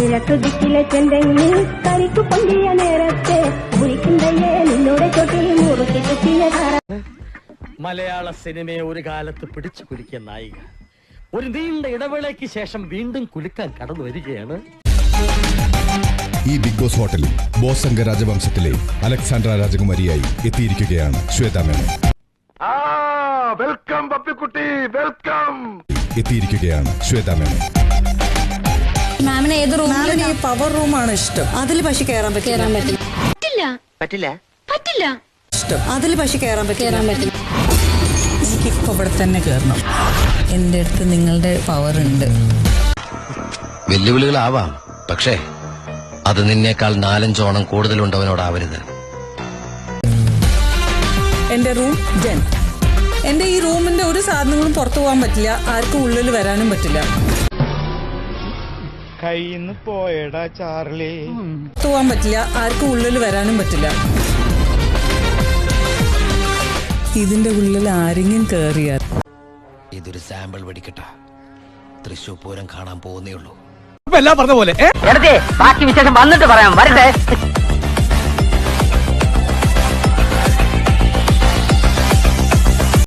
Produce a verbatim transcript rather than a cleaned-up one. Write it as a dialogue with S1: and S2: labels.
S1: നിനക്ക് ദിക്കിലെ ചെന്തെങ്ങിൽ കരിക്കു പൊന്തിയ നേരത്തെ മുറിക്കുന്നേ നിന്നോടെ തൊട്ടിൽ മുറുക്കി കുത്തിയ
S2: മലയാള സിനിമയെ ഒരു കാലത്ത് പിടിച്ചു കുലുക്കിയ നായിക ഒരു നീണ്ട ഇടവേളയ്ക്ക് ശേഷം വീണ്ടും കുലുക്കാൻ കടന്നു വരികയാണ്.
S3: ഈ ബിഗ് ബോസ് ഹോട്ടലിൽ ബോസംഗ രാജവംശത്തിലെ അലക്സാണ്ട്ര രാജകുമാരിയായി എത്തിയിരിക്കുകയാണ് ശ്വേത മേനോൻ.
S4: വെൽക്കം പപ്പിക്കുട്ടി, വെൽക്കം.
S3: എത്തിയിരിക്കുകയാണ് ശ്വേത മേനോൻ.
S5: മാമിന് ഏത് റൂമിലാണ്?
S6: ഈ പവർ റൂമാണ് ഇഷ്ടം. അതിൽ പക്ഷെ കയറാൻ പറ്റില്ല.
S5: പറ്റില്ല
S7: പറ്റില്ല
S5: പറ്റില്ല
S6: ഇഷ്ടം. അതിൽ പക്ഷെ കയറാൻ പറ്റില്ല.
S8: എനിക്കിപ്പോ ഇവിടെ തന്നെ കയറണം. എന്റെ അടുത്ത് നിങ്ങളുടെ പവർ ഉണ്ട്.
S7: വെല്ലുവിളികളാവാം, പക്ഷേ അത് നിന്നേക്കാൾ നാലഞ്ചോണം കൂടുതലുണ്ടവനോടാവരുത്.
S6: എന്റെ റൂം ജൻ. എന്റെ ഈ റൂമിന്റെ ഒരു സാധനങ്ങളും പുറത്തു പോകാൻ പറ്റില്ല, ആർക്കും ഉള്ളിൽ വരാനും പറ്റില്ല.
S9: കയ്യിന്ന് പോയടാ ചാർലി.
S6: പുറത്തു പോകാൻ പറ്റില്ല, ആർക്കും ഉള്ളിൽ വരാനും പറ്റില്ല. ഇതിന്റെ ഉള്ളിൽ ആരെങ്കിലും കേറിയാൽ
S7: ഇതൊരു സാമ്പിൾ വെടിക്കട്ട. തൃശൂർ പൂരം കാണാൻ പോകുന്നേ ഉള്ളൂ.
S2: എല്ലാം പറഞ്ഞ പോലെ
S7: ബാക്കി വിശേഷം വന്നിട്ട് പറയാം. വരട്ടെ.